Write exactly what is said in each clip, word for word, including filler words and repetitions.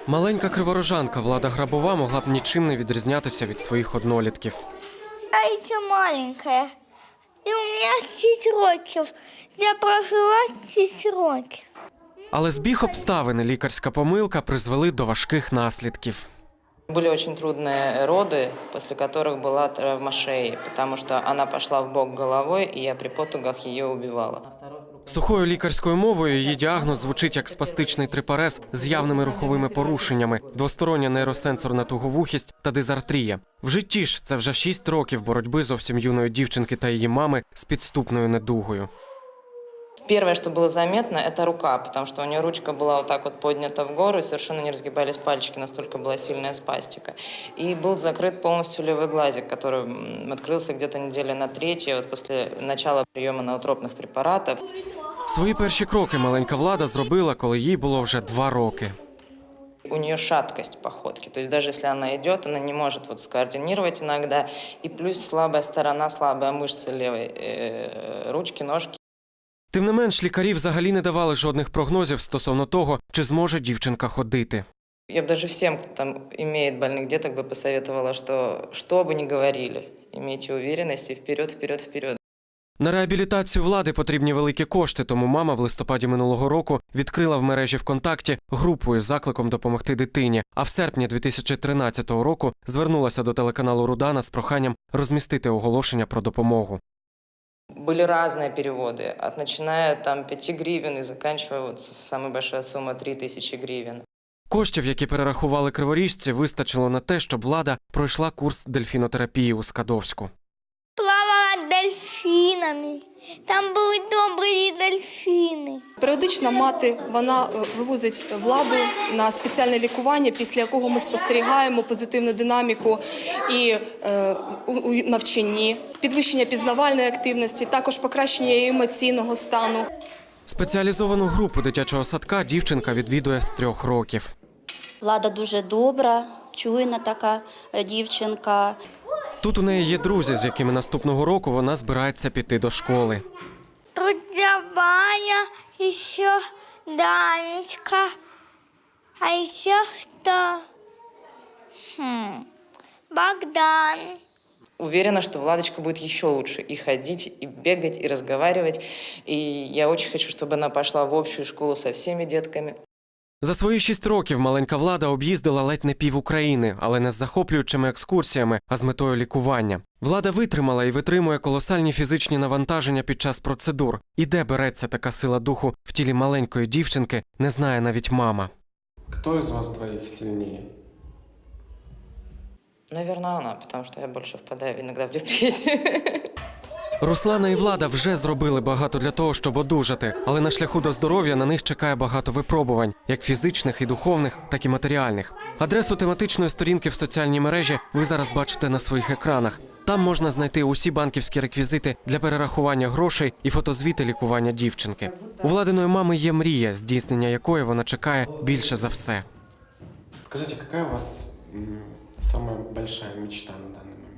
Маленька криворожанка Влада Грабова могла б нічим не відрізнятися від своїх однолітків. Я ще маленька, і у мене шість років. Я прожила шість років. Але збіг обставин і лікарська помилка призвели до важких наслідків. Были очень трудные роды, после которых была травма шеи, потому что она пошла в бок головой, и я при потугах ее убивала. Сухою лікарською мовою її діагноз звучить як спастичний трипарез з явними руховими порушеннями, двостороння нейросенсорна туговухість та дизартрія. В житті ж це вже шість років боротьби зовсім юної дівчинки та її мами з підступною недугою. Первое, что было заметно, это рука, потому что у нее ручка была вот так вот поднята в гору, и совершенно не разгибались пальчики, настолько была сильная спастика. И был закрыт полностью левый глазик, который открылся где-то недели на третьей, вот после начала приема ноотропных препаратов. Свої перші кроки маленька Влада зробила, коли їй було вже два роки. У нее шаткость походки, то есть даже если она идет, она не может вот скоординировать иногда. И плюс слабая сторона, слабая мышца левой э, ручки, ножки. Тим не менш, лікарі взагалі не давали жодних прогнозів стосовно того, чи зможе дівчинка ходити. Я бы даже всем, кто там имеет больных деток, бы посоветовала, что что бы ни говорили, имейте уверенность и вперед, вперед, вперед. На реабілітацію Влади потрібні великі кошти, тому мама в листопаді минулого року відкрила в мережі ВКонтакті групу із закликом допомогти дитині, а в серпні дві тисячі тринадцятого року звернулася до телеканалу «Рудана» з проханням розмістити оголошення про допомогу. Были разные переводы, от начиная там пяти гривен и заканчивая вот самая большая сумма три тысячи гривен. Коштів, які перерахували криворіжці, вистачило на те, щоб Влада пройшла курс дельфінотерапії у Скадовську. Плавала дельфінами. Там були добрі дельфіни. Періодично мати, вона вивозить Владу на спеціальне лікування, після якого ми спостерігаємо позитивну динаміку і е, у, у навчанні, підвищення пізнавальної активності, також покращення її емоційного стану. Спеціалізовану групу дитячого садка дівчинка відвідує з трьох років. Влада дуже добра, чуйна така дівчинка. Тут у неї є друзі, з якими наступного року вона збирається піти до школи. Друзья Ваня, еще Данечка, а еще кто? Хм, Богдан. Уверена, что Владочка будет еще лучше и ходить, и бегать, и разговаривать. И я очень хочу, чтобы она пошла в общую школу со всеми детками. За свої шість років маленька Влада об'їздила ледь не пів України, але не з захоплюючими екскурсіями, а з метою лікування. Влада витримала і витримує колосальні фізичні навантаження під час процедур. І де береться така сила духу в тілі маленької дівчинки, не знає навіть мама. Хто із вас двоїх сильніше? Наверное, она, потому что я больше впадаю иногда в депрессию. Руслана і Влада вже зробили багато для того, щоб одужати, але на шляху до здоров'я на них чекає багато випробувань, як фізичних і духовних, так і матеріальних. Адресу тематичної сторінки в соціальній мережі ви зараз бачите на своїх екранах. Там можна знайти усі банківські реквізити для перерахування грошей і фотозвіти лікування дівчинки. У Владиної мами є мрія, здійснення якої вона чекає більше за все. Скажите, какая у вас самая большая мечта на данный момент?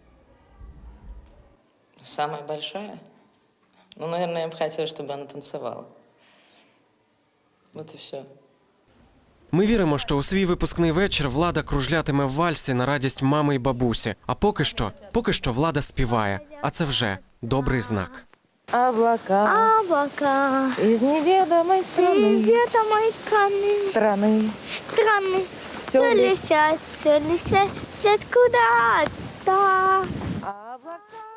Самая большая? Ну, наверное, я бы хотела, чтобы она танцевала. Вот и все. Ми віримо, що у свій випускний вечір Влада кружлятиме в вальсі на радість мами і бабусі. А поки що, поки що Влада співає. А це вже добрий знак. Облака, Облака из неведомой страны, неведомой страны, страны, страны, все все летят, все летят, летят куда-то. облака.